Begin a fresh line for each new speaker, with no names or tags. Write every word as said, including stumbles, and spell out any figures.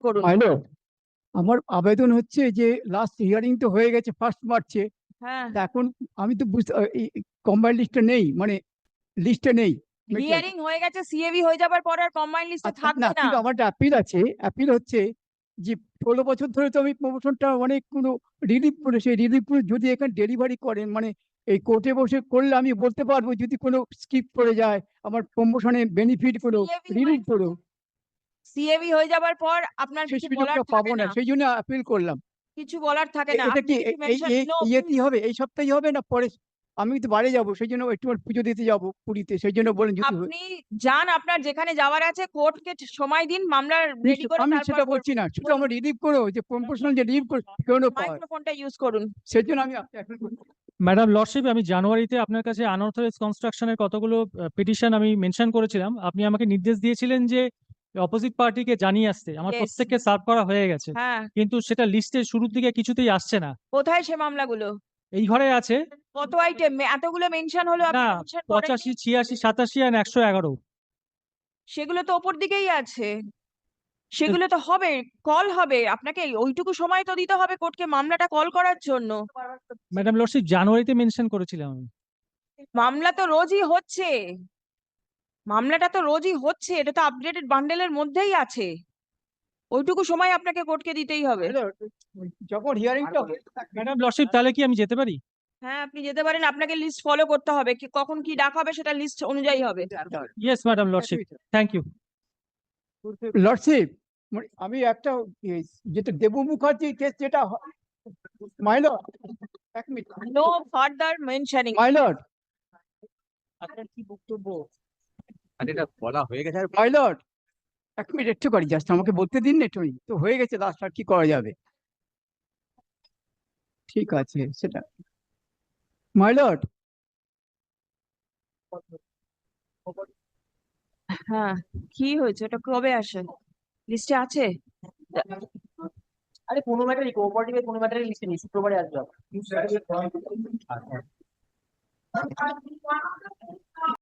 করুন।
হ্যালো, আমার আবেদন হচ্ছে যে লাস্ট হিয়ারিং তো হয়ে গেছে ফার্স্ট মার্চে।
হ্যাঁ,
এখন আমি তো বুঝতে কম্বাইন্ড লিস্টে নেই, মানে লিস্টে নেই।
হিয়ারিং হয়ে গেছে, সিএবি হয়ে যাবার পর আর কম্বাইন্ড লিস্টে
আচ্ছা,
থাকবে
না
না।
কিন্তু আমার একটা অ্যাপিল আছে। অ্যাপিল হচ্ছে যে ষোলো বছর ধরে তো আমি প্রমোশনটা অনেক কোনো রিলিভ করে, সেই রিলিভ করে যদি এখানে ডেলিভারি করেন, মানে এই কোর্টে বসে করলে আমি বলতে পারবো যদি কোনো স্কিপ করে যায় আমার প্রমোশনের বেনিফিট গুলো
সিএবি
রিলিভ করো।
সিএবি হয়ে যাবার পর আপনার
সেই
কিছু বলার
সুযোগটা
থাকে
পাবো না,
না,
সেই জন্য অ্যাপিল করলাম।
কিছু বলার থাকে
এ-
না।
এটা
আপনি
কি
কিছু
এ- এই
মেনশন
এই-
নো।
ইয়েতেই হবে, এই সপ্তাহে হবে না পরে? আমি তো বাইরে যাবো, সেই জন্য একটু পুজো দিতে যাবো পুরীতে, সেই জন্য বলেন যদি হয়।
আপনি যান, আপনার যেখানে যাওয়ার আছে, কোর্টকে সময় দিন, মামলা রেডি করে
আমি
তারপর
সেটা বলছি না, শুধু আমার রিলিভ করো, যে প্রমোশনাল যে রিলিভ করে কেন পাওয়ার,
মাইক্রোফোনটা ইউজ করুন।
সেই জন্য আমি appeal করছি।
ম্যাডাম লর্ডশিপ, আমি জানুয়ারিতে আপনার কাছে আনঅথরাইজ কনস্ট্রাকশনের কতগুলো পিটিশন আমি মেনশন করেছিলাম। আপনি আমাকে নির্দেশ দিয়েছিলেন যে অপোজিট পার্টিকে জানিয়ে আসতে। আমার
Yes.
প্রত্যেককে সার্ভ করা হয়ে গেছে,
হ্যাঁ,
কিন্তু সেটা লিস্টের শুরুর দিকে কিছুতেই আসছে না।
কোথায় সে মামলাগুলো?
এই ঘরে আছে।
কত আইটেম? এতগুলো মেনশন হলো, আপনি
না,
মেনশন করেননি?
পঁচাশি, ছিয়াশি, সাতাশি আর একশো এগারো।
সেগুলো তো ওপর দিকেই আছে, সেগুলো তো হবে, কল হবে আপনাকে, ওইটুকু সময় তো দিতে হবে কোর্টকে মামলাটা কল করার জন্য।
ম্যাডাম লর্ডশিপ, জানুয়ারিতে মেনশন করেছিলাম আমি।
মামলা তো রোজই হচ্ছে, মামলাটা তো রোজই হচ্ছে, এটা তো আপডেটেড বান্ডেলের মধ্যেই আছে, ওইটুকু সময় আপনাকে কোর্টকে দিতেই হবে।
হ্যালো, যখন হিয়ারিংটা
ম্যাডাম লর্ডশিপ, তাহলে কি আমি যেতে পারি?
হ্যাঁ, আপনি যেতে পারেন, আপনাকে লিস্ট ফলো করতে হবে, কি কখন কি ডাক হবে সেটা লিস্ট অনুযায়ী হবে।
Yes madam lordship, thank you.
Lordship, আমি একটা এ, যেটা দেবু মুখার্জি কেস যেটা, মাইলর, এক minute,
no further mentioning.
My lord,
আপনার কি বক্তব্য?
আর এটা বলা হয়ে গেছে আর
মাইলর, এক মিনিট একটু করি, জাস্ট আমাকে বলতে দিন না একটু, তো হয়ে গেছে লাস্ট, আর কি করা যাবে? ঠিক আছে সেটা, মাইলর,
হ্যাঁ, কি হয়েছে, ওটা কবে আসে? লিস্টে আছে?
আরে কোনো ম্যাটারই কোঅপারেটিভের কোনো ম্যাটারই লিস্টে নেই, শুক্রবারে আসবে আবার।